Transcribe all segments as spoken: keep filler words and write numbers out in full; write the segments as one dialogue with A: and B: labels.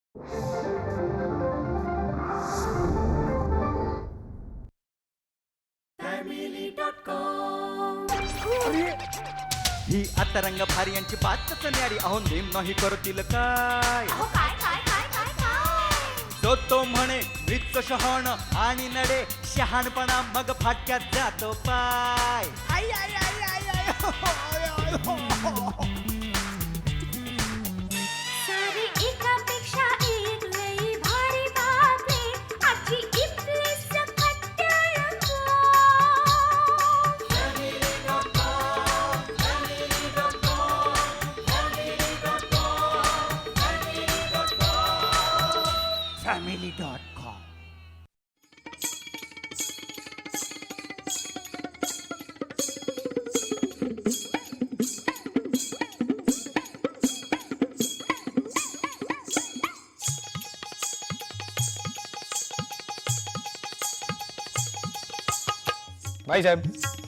A: ही आता रंग भारी यांची बातच न्यारी. अहो नेम नाही करतील काय. तो तो म्हणे मृत शहाण आणि नडे शहाणपणा मग फाटक्यात जातो पाय. आई आई आई आई आई हो, आय, आय, हो, हो.
B: सारी एकापेक्षा एक लई भारी बातमी आजची इथली सकट टेलिफोन.
A: Family dot com.
C: भाई साहेब,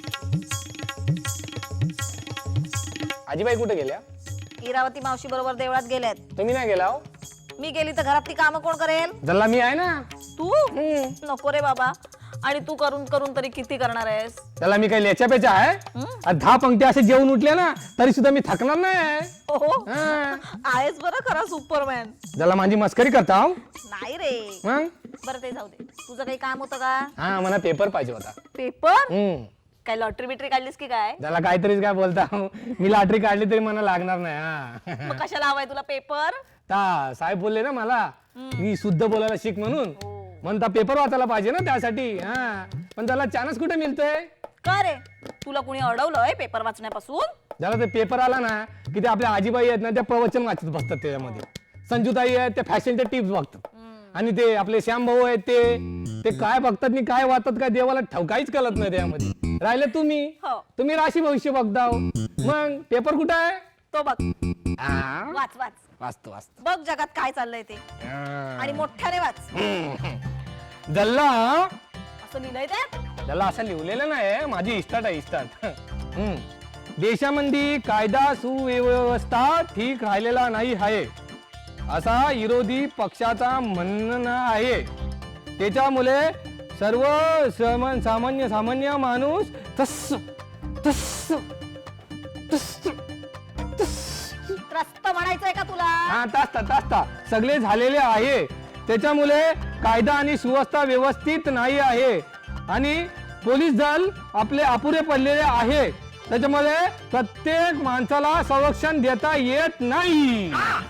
C: आजीबाई कुठे गेल्या?
D: इरावती मावशी बरोबर देवळात गेल्यात.
C: तुम्ही नाही गेला?
D: मी गेली तर घरातली कामं कोण करेल?
C: जल्ला मी आहे ना.
D: तू नको रे बाबा. आणि तू करून करून तरी किती करणार आहेस?
C: त्याला मी काही लेच्या पेच्या आहे? आणि दहा पंक्ती असे जेवून उठले ना तरी सुद्धा मी थकणार नाही.
D: हो
C: हा.
D: आहेस बरं खरा सुपरमॅन.
C: जल्ला माझी मस्करी करता हो?
D: नाही रे.
C: मग
D: बरं ते जाऊ दे. तुझं काही काम होतं का?
C: हा, मला पेपर पाहिजे होता.
D: पेपर?
C: हम्म.
D: काय लॉटरी बिटरी काढलीस की काय?
C: त्याला काहीतरीच काय बोलता हो. मी लॉटरी काढली तरी मला लागणार नाही. हा.
D: मग कशाला हवाय तुला पेपर?
C: ता साहेब बोलले ना मला मी शुद्ध बोलायला शिक म्हणून. म्हणता पेपर वाचायला पाहिजे ना त्यासाठी. हा, पण त्याला चान्स कुठे मिळतोय?
D: का रे, तुला कुणी अडवलंय पेपर वाचण्यापासून?
C: ज्याला ते पेपर आला ना की ते आपल्या आजीबाई आहेत ना त्या प्रवचन वाचत बसतात त्याच्यामध्ये. संजूताई आहेत त्या फॅशनच्या टिप्स बघतात. आणि ते आपले श्याम भाऊ आहेत ते ते काय बघतात आणि काय वाचतात काय देवाला ठाव काहीच कळत नाही त्यामध्ये. राहिले तुम्ही
D: हो.
C: तुम्ही राशी भविष्य बघता. मग पेपर कुठं आहे?
D: तो बघ.
C: हा,
D: वाच वाच
C: वाचतो वाचतो.
D: बघ जगात काय चाललंय ते.
C: हा.
D: आणि मोठ्याने वाच.
C: जल्ला
D: असं लिहिलंय त्यात?
C: त्याला असं लिहिलेलं नाही. माझी इस्टार्ट आहे इस्टार्ट. देशामध्ये कायदा सुव्यवस्था ठीक राहिलेला नाही आहे असा विरोधी पक्षाचा म्हणणं आहे. त्याच्यामुळे सर्व सामान्य सामान्य माणूस तस तस तस
D: त्रस्त म्हणायचंय का तुला?
C: हा, तास्ता तास्ता सगळे झालेले आहे. त्याच्यामुळे कायदा आणि सुव्यवस्था व्यवस्थित नाही आहे आणि पोलीस दल आपले अपुरे पडलेले आहे. त्याच्यामुळे प्रत्येक माणसाला संरक्षण देता येत नाही.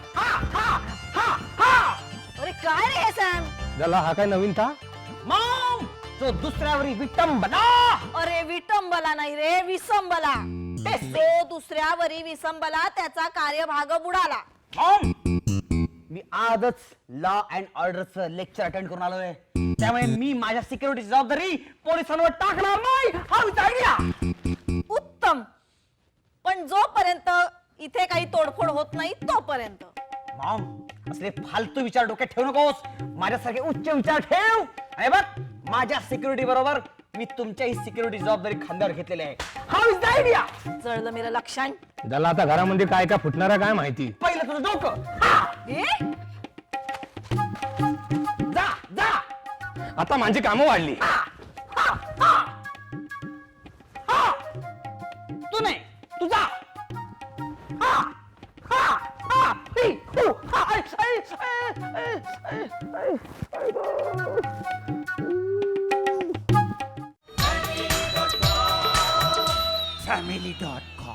D: अरे काय रे हे सॅम?
C: त्याला हा काय नवीन था?
A: मॉम, तो दुसऱ्यावरी विटंबना.
D: अरे विटंबला नाही रे, विसंबला. तो दुसऱ्यावरी विसंबला, त्याचा कार्यभाग बुडाला.
A: मॉम, मी आजच लॉ अँड ऑर्डरचं लेक्चर अटेंड करून आलोय. त्यामुळे मी माझ्या सिक्युरिटीची जबाबदारी पोलिसांवर टाकणार नाही. हा आयडिया.
D: उत्तम. पण जोपर्यंत इथे काही तोडफोड होत नाही तोपर्यंत.
A: मॉम, असले फालतू विचार डोक्यात ठेवू नकोस. माझ्यासारखे उच्च विचार ठेव. आणि बघ, माझ्या सिक्युरिटी बरोबर मी तुमच्याही सिक्युरिटी जबाबदारी खांद्यावर घेतलेली आहे. How is the idea?
D: जळलं मेरं लक्षण.
C: त्याला आता घरामध्ये काय काय फुटणारा काय माहिती.
A: पहिलं तुझं डोकं. हा,
D: ए?
A: जा जा.
C: आता माझी कामं वाढली.
A: तू नाही, तू जा. हा, हा, हा, ही, हू, हा, ऐ, ऐ, ऐ, ऐ, ऐ, ऐ, ऐ. Family dot com.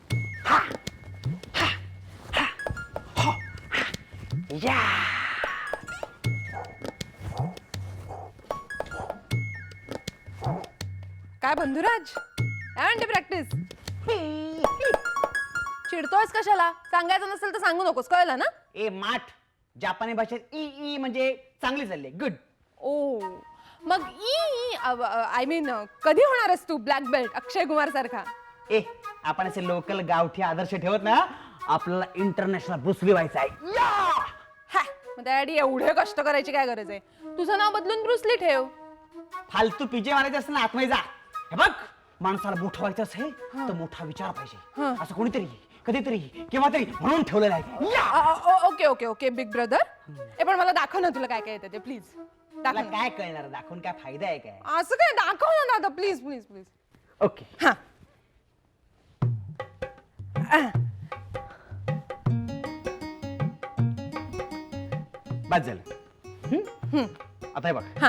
A: या
E: काय बंधुराज, काय म्हणते प्रॅक्टिस? चिडतोयस कशाला? सांगायचं नसेल तर सांगू नकोस, कळलं ना?
A: ए माठ, जपानी भाषेत ई ई म्हणजे चांगली चालली. गुड.
E: ओ मग ई आय मीन कधी होणार आहेस तू ब्लॅक बेल्ट अक्षय कुमार सारखा?
A: ए, आपण असे लोकल गावठी आदर्श ठेवत ना, आपल्याला इंटरनॅशनल ब्रुसली व्हायचं आहे.
E: हा, मग त्यासाठी एवढे कष्ट करायची काय गरज आहे? तुझं नाव बदलून ब्रुसली ठेव.
A: फालतू पिजे मारायचे असतं ना, आतमध्ये जा. हे बघ, माणसाला मोठं व्हायचं असेल तर मोठा विचार पाहिजे. असं कोणीतरी कधीतरी केव्हा तरी म्हणून ठेवलेला आहे या!
E: अ, अ, okay okay okay big brother ए पण मला दाखव ना तुला काय काय येतं ते प्लीज
A: तुला
E: दाखव ना.
A: काय कळणार दाखवून काय फायदा आहे काय
E: असं काय दाखव ना दादा प्लीज प्लीज प्लीज
A: ओके
E: हा
A: बस झालं हम्म? आता हे बघ
E: हा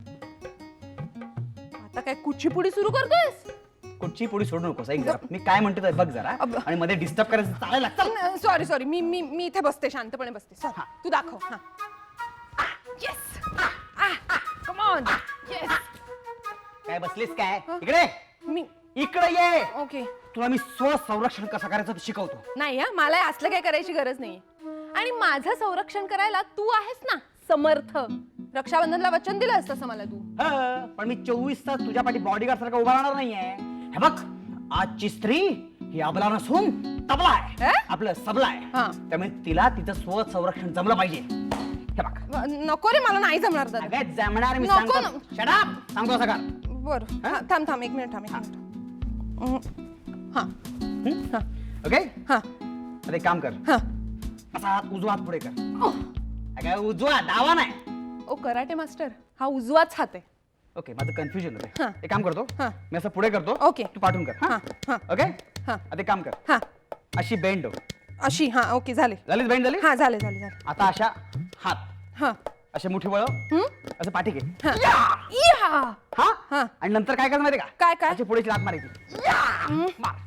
E: आता काय कुचीपुडी सुरू करतोयस
A: कुठची पुढे सोडू नकोस ऐक जरा मी काय म्हणतो ते बघ जरा
E: अब-
A: आणि मध्ये डिस्टर्ब करायचं चालेल चल
E: सॉरी सॉरी मी मी मी इथे बसते शांतपणे बसते Sorry.
A: हा.
E: तू दाखव हा येस कम ऑन येस
A: काय बसलीस काय इकडे
E: मी
A: इकडे ये
E: ओके
A: तुला मी स्वसंरक्षण कसं करायचं ते शिकवतो
E: नाही हा मला असलं काय करायची गरज नाही आणि माझं संरक्षण करायला तू आहेस ना समर्थ रक्षाबंधनला वचन दिलंस तसं मला तू
A: हं, पण मी चोवीस तास तुझ्या पाठी बॉडीगार्ड सारखा उभा राहणार नाहीये हे बघ आजची स्त्री ही अबला नसून तबला आहे
E: अं?
A: आपलं सबला
E: हा.
A: आहे त्यामुळे तिला तिचं स्वसंरक्षण जमलं पाहिजे हे बघ
E: व- नको रे मला नाही जमणार दादा
A: अगं जमणार मी
E: नको
A: सांगतो
E: ना.
A: शडाप सांगतो सगळं
E: बर थांब थांब एक मिनिट थांब एक मिनिट हम्म. हा हा
A: ओके
E: हा
A: आता एक काम कर
E: हा
A: असा हात उजवा हात पुढे कर अगं उजवा डावा नाही
E: ओ कराटे मास्टर हा उजवाच हात आहे
A: ओके माझं कन्फ्युजन
E: हा.
A: होतं एक काम करतो
E: हा.
A: मी असं पुढे करतो
E: ओके.
A: तू पाठवून कर
E: हा, हा.
A: ओके
E: हा.
A: आता एक काम कर
E: हा
A: अशी बेंड
E: अशी हा ओके झाले
A: झालीच बेंड झाली
E: हा झाले झाले झाले
A: आता अशा हात
E: हा
A: असे मुठी वळ असं पाठी घे
E: हा या!
A: हा
E: हा.
A: आणि नंतर काय करायचं माहिती का
E: काय, काय?
A: अशी पुढेची लात मारायची मार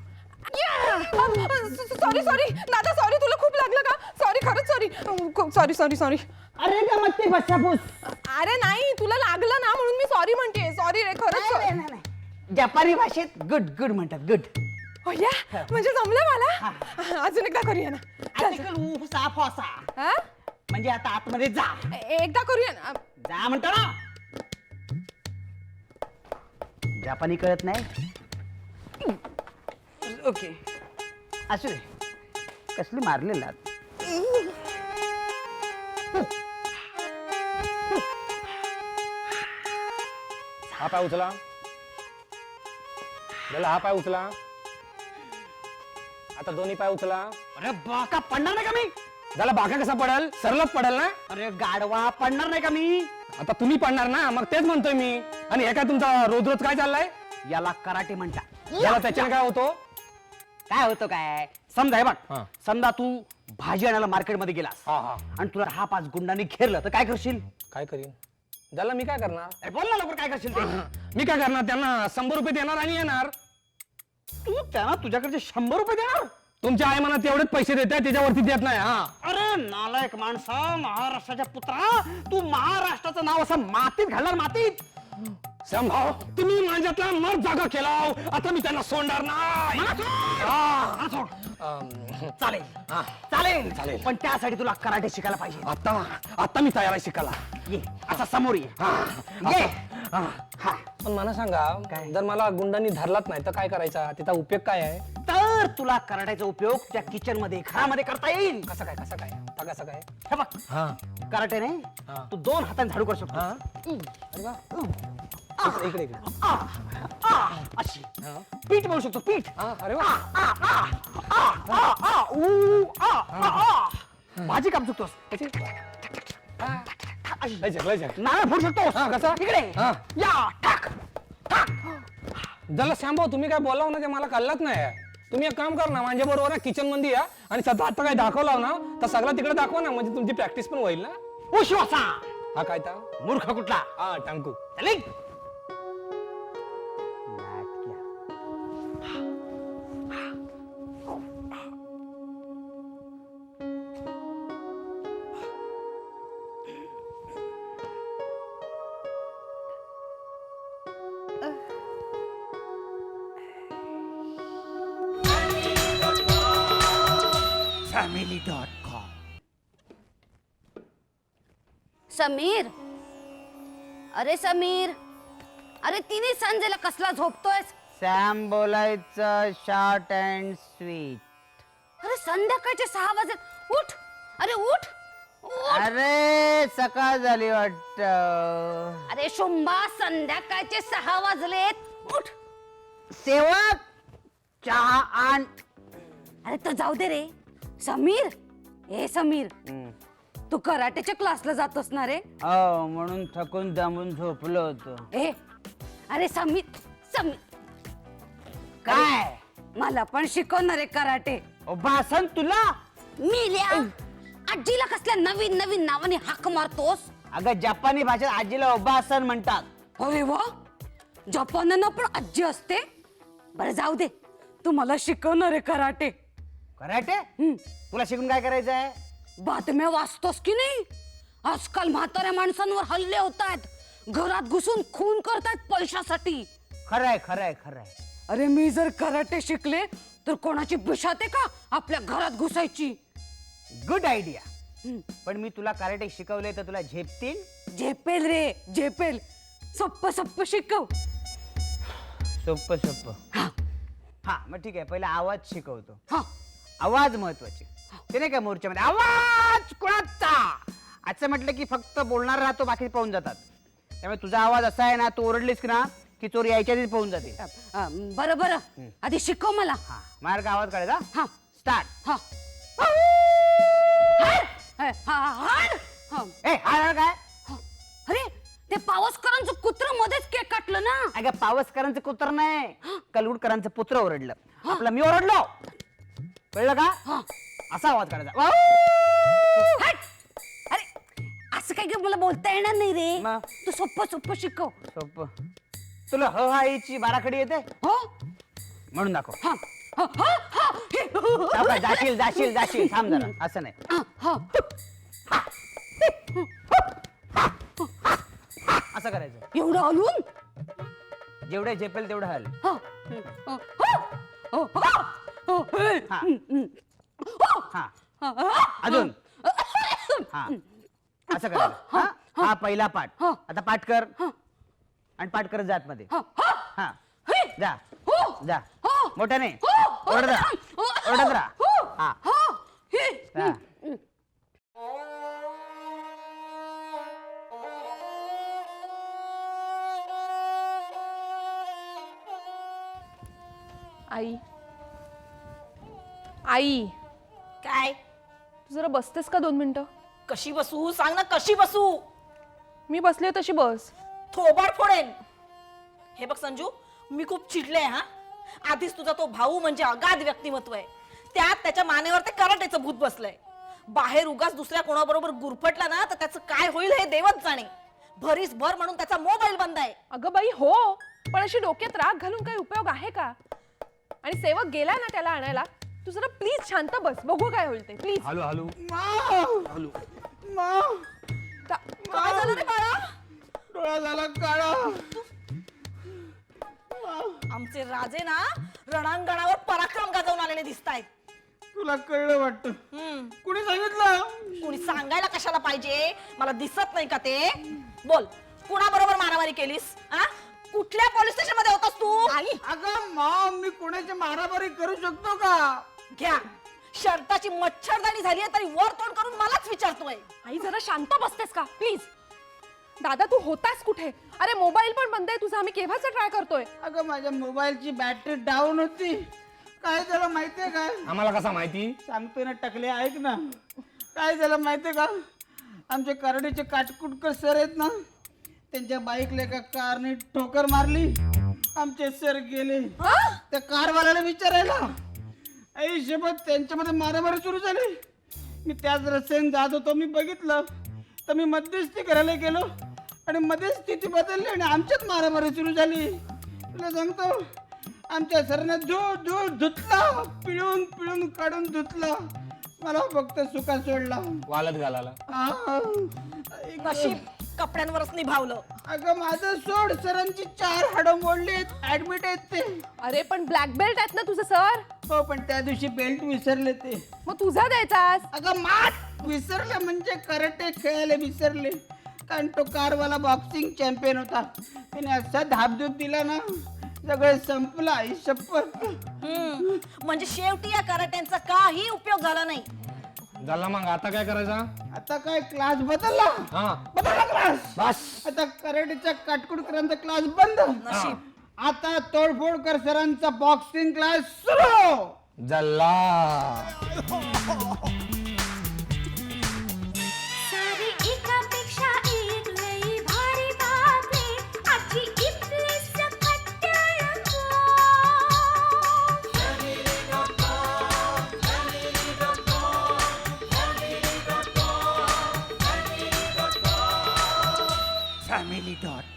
E: सॉरी सॉरी दादा सॉरी तुला खूप लागलं का सॉरी खरंच सॉरी सॉरी सॉरी सॉरी
A: अरे का मग ते बसापूस
E: अरे नाही तुला लागलं ना म्हणून मी सॉरी म्हणते सॉरी रे खरंच sorry.
A: जपानी भाषेत गुड गुड म्हणतात गुड
E: हो या म्हणजे जमलं मला अजून एकदा करूया ना चल, चल.
A: आर्टिकल ऊ सा फॉसा
E: हा?
A: म्हणजे आता आतमध्ये जा
E: ए- एकदा करूया ना
A: जा म्हणतो ना जपानी कळत नाही ओके असू दे कसली मारलेला
C: हा पाय उचला त्याला हा पाय उचला आता दोन्ही पाय उचला
A: अरे बाका पडणार नाही का मी
C: त्याला बाका कसा पडेल सरलच पडेल ना
A: अरे गाडवा पडणार नाही का मी
C: आता तुम्ही पडणार ना मग तेच म्हणतोय मी आणि हे काय तुमचा रोज रोज काय चाललाय
A: याला कराटे म्हणतात
C: याला त्याच्याने काय होतो
A: काय होतं काय समजा हे बघ
C: हा.
A: समजा तू भाजी आणायला मार्केटमध्ये गेलास
C: हा हा
A: आणि तुला हा पाच गुंडांनी घेरलं तर काय करशील
C: काय करीन त्याला मी काय करणार
A: अरे बोल ना लवकर काय करशील ते
C: मी काय करणार त्यांना शंभर रुपये देणार आणि येणार
A: तू त्यांना तुझ्याकडचे शंभर रुपये देणार
C: तुमच्या आई मला तेवढेच पैसे देतात त्याच्यावरती देत नाही हा
A: अरे नालायक माणसा महाराष्ट्राच्या पुत्रा तू महाराष्ट्राचं नाव असं मातीत घालणार मातीत
C: संभाव तुम्ही माझ्यातला मर जागा केला आता मी त्यांना सोडणार नाही
A: हा, हा सोड.
C: अं,
A: चालेल
C: हा.
A: चालेल
C: चालेल.
A: पण त्यासाठी तुला कराटे शिकायला पाहिजे
C: आता आता मी तयार आहे शिकायला
A: ये असा समोर ये
C: हा.
A: ये
C: हा.
A: हा.
C: पण मला सांगा
A: काय?
C: जर मला गुंडांनी धरलाच नाही तर काय करायचा त्याचा उपयोग काय आहे
A: तर तुला कराट्याचा उपयोग त्या किचन मध्ये घरामध्ये करता येईल
C: कसं काय कसं काय आता कसं काय
A: हे बघ
C: हा
A: कराटेने
C: हा.
A: तू दोन हाताने झाडू करू
C: हा
A: शकतो
C: अरे वा. इकडे इकडे इकडे
A: आ, आ, अशी
C: हा.
A: पीठ बनवू शकतो पीठ
C: हा, अरे वा
A: आ, आ, आ, आ, ऊ, आ, आ, आ. भाजी कापू शकतोस अशी.
C: लय जग, लय जग.
A: नारळ फोडू शकतोस
C: हा, कसा?
A: इकडे
C: हा.
A: या टाक टाक
C: जरा शांभाव तुम्ही काय बोलाव ना ते मला कळलंच नाही तुम्ही एक काम कर ना माझ्या बरोबर किचन मध्ये या आणि सध्या आता काय दाखवला ना तर सगळं तिकडे दाखवा ना म्हणजे तुमची प्रॅक्टिस पण होईल ना
A: उश्वासा
C: हा काय ता
A: मूर्ख कुठला
C: हा टांकू
A: चलिंग फॅमिली डॉट कॉम
F: समीर अरे समीर अरे तिने संजयला कसला झोपतोयस
A: सॅम बोलायचं शॉर्ट अँड स्वीट
F: अरे संध्याकाळचे सहा वाजले उठ अरे उठ उठ.
A: अरे सकाळ झाली वाटत
F: अरे शुंभा संध्याकाळचे सहा वाजलेत उठ
A: सेवक चहा आण
F: अरे तर जाऊ दे रे समीर. ए समीर, तू कराटेच्या क्लासला जातोस ना रे?
A: हो, म्हणून थकून दमून झोपलो होतो.
F: ए अरे समीर समीर
A: काय
F: मला पण शिकवणार रे कराटे.
A: ओ भासन तुला?
F: मिल्या आजीला कसल्या नवीन नवीन नावाने हाक मारतोस?
A: अगं जपानी भाषेत आजीला उभासन म्हणतात.
F: अरे वा, जपानना पण आजी असते. बरं जाऊ दे, तू मला शिकवणार रे कराटे.
A: कराटे?
F: हम्म.
A: तुला शिकून काय करायचंय?
F: बातम्या वाचतोस की नाही? आजकाल म्हाताऱ्या माणसांवर हल्ले होत आहेत, घरात घुसून खून करतायत पैशासाठी.
A: खरंय खरंय खरंय.
F: अरे मी जर कराटे शिकले तर कोणाची बिशाते का आपल्या घरात घुसायची?
A: Good idea. पण मी तुला कराटे शिकवले तर तुला झेपतील?
F: झेपेल रे झेपेल. सोप्प सोप्प शिकव.
A: सोप्प सोप्प.
F: हा
A: हा मग ठीक आहे, पहिला आवाज शिकवतो.
F: हा
A: आवाज महत्वाचे. ते नाही का मोर्चामध्ये आवाज कोणाचा असं म्हटलं की फक्त बोलणार राहतो, बाकी पळून जातात. त्यामुळे तुझा आवाज असा आहे ना, तू ओरडलीस की ना की चोर यायच्या आधीच पळून जाते.
F: अ, बरं बरं आधी शिकव मला.
A: हा मार्ग आवाज काढायचा.
F: हा
A: स्टार्ट.
F: हा हा हा हा.
A: ए हा काय?
F: अरे ते पावसकरांचं कुत्र मध्येच केक काटलं ना.
A: अगं पावसकरांचं कुत्र नाही, कलगुडकरांचं पुत्र ओरडलं. आपलं मी ओरडलो, कळलं का?
F: हा.
A: असा आवाज काढायचा.
F: हट! अरे असं काही मला बोलता येणार नाही रे.
A: मग?
F: तू सोप्प सोप्प शिकव.
A: सोप. तुला ह हा ची बाराखडी येते
F: हो
A: म्हणून दाखव.
F: हा हा हा हा हे,
A: दाखव, जाशील जाशील जाशील. थांब जरा, असं नाही.
F: हा, हा.
A: असं करायचं.
F: एवढं हलून.
A: जेवढे झेपेल तेवढं हल.
F: हा. हा. हा. हा. हा. हे.
A: हा.
F: हम्म.
A: हा
F: हा. हा.
A: अजून. हा असं करायचं. हा हा पहिला पाठ.
F: हा.
A: आता पाठ कर आणि पाठ करत जात मध्ये.
F: हा. हा.
A: हा
F: हे.
A: जा
F: हो.
A: जा
F: हो.
A: मोठ्याने
F: हो.
A: ओरडत राहा.
F: हो.
A: ओरडत राहा.
F: हो.
A: हा.
F: हा. हे.
A: हा.
E: आई आई
D: काय
E: तू जरा बसतेस का दोन मिनिटं?
D: कशी बसू सांग ना, कशी बसू?
E: मी बसले तशी बस.
D: थोबाड फोडेन. हे बघ संजू, मी खूप चिडले हा. आधीच तुझा तो भाऊ म्हणजे अगाध व्यक्तिमत्व आहे, त्यात त्याच्या मानेवर ते कराटेचं भूत बसलंय. बाहेर उगाच दुसऱ्या कोणाबरोबर गुरफटला ना तर त्याचं काय होईल हे देवच जाणे. भरीस भर म्हणून त्याचा मोबाईल बंद आहे.
E: अगं बाई हो, पण अशी डोक्यात राग घालून काही उपयोग आहे का? आणि सेवक गेला ना त्याला आणायला, तू जरा प्लीज शांत बस, बघू काय होईल ते प्लीज.
C: Hello hello hello.
D: काय झालं रे बाळा?
C: डोळा झाला काळा.
D: आमचे राजे ना रणांगणावर पराक्रम गाजवून आलेले दिसतायत.
C: तुला कळलं वाटतं?
D: हम्म
C: कुणी सांगितलं?
D: कुणी सांगायला कशाला पाहिजे? मला दिसत नाही का ते? बोल, कुणाबरोबर मारामारी केलीस? आ? कुठल्या पोलीस स्टेशन मध्ये होतास तू? आई
C: अगं मॉम, मी कोणाची मारामारी करू शकतो का?
D: घ्या, शर्टाची मच्छरदाणी झाली तरी वर तोंड करून मलाच विचारतोय.
E: आई जरा शांत बसतेस का प्लीज? दादा तू होतास कुठे? अरे मोबाईल पण बंद आहे तुझा, आम्ही केव्हाचा ट्राय करतोय.
C: अगं माझ्या मोबाईलची बॅटरी डाऊन होती. काय झालं माहितीये का?
G: आम्हाला कसा माहिती?
C: सांगतोय ना टकले, ऐक ना. काय झालं माहितीये का? आमचे करडीचे काटकुटकर सर आहेत ना, त्यांच्या बाईकला एका कारने ठोकर मारली. आमचे सर गेले त्या कारवाल्याला विचारायला. आई शपथ त्यांच्यामध्ये मारामारी सुरू झाली. मी त्याच रस्त्याने जात होतो, मी बघितलं तर मी मध्यस्थी करायला गेलो आणि मध्येच स्थिती बदलली आणि आमच्यात मारामारी सुरू झाली. तुला सांगतो, आमच्या सरांना धू धू धुतला, पिळून पिळून काढून धुतला. मला फक्त सुका सोडला.
G: वालत घालाला.
C: आ,
D: नशीब कपड्यांवरच निभावलं.
C: अगं माझं सोड, सरांची चार हाडं मोडली आहेत, ऍडमिट आहेत ते.
E: अरे पण ब्लॅक बेल्ट आहेत ना तुझं सर?
C: हो, पण त्या दिवशी बेल्ट विसरले ते.
E: मग तुझा द्यायचास.
C: अगं मात विसरले म्हणजे कराटे खेळायला विसरले. कारण तो कारवाला बॉक्सिंग चॅम्पियन होता. त्याने असा धापधूप दिला ना, सगळं संपलं. आई शपथ.
D: हम्म म्हणजे शेवटी या कराट्यांचा काही उपयोग झाला नाही.
G: झाला मग आता काय करायचा?
C: आता काय क्लास बदलला
G: हा
C: बदलला क्लास.
G: बस.
C: आता कराटेचा काटकुटकरांचा क्लास बंद.
D: नशीब.
C: आता तोडफोडकर सरांचा बॉक्सिंग क्लास सुरू.
G: जल्ला.
B: सारी एकापेक्षा एक लई भारी बातमी आजची इथली सकट रंगो.
A: Family dot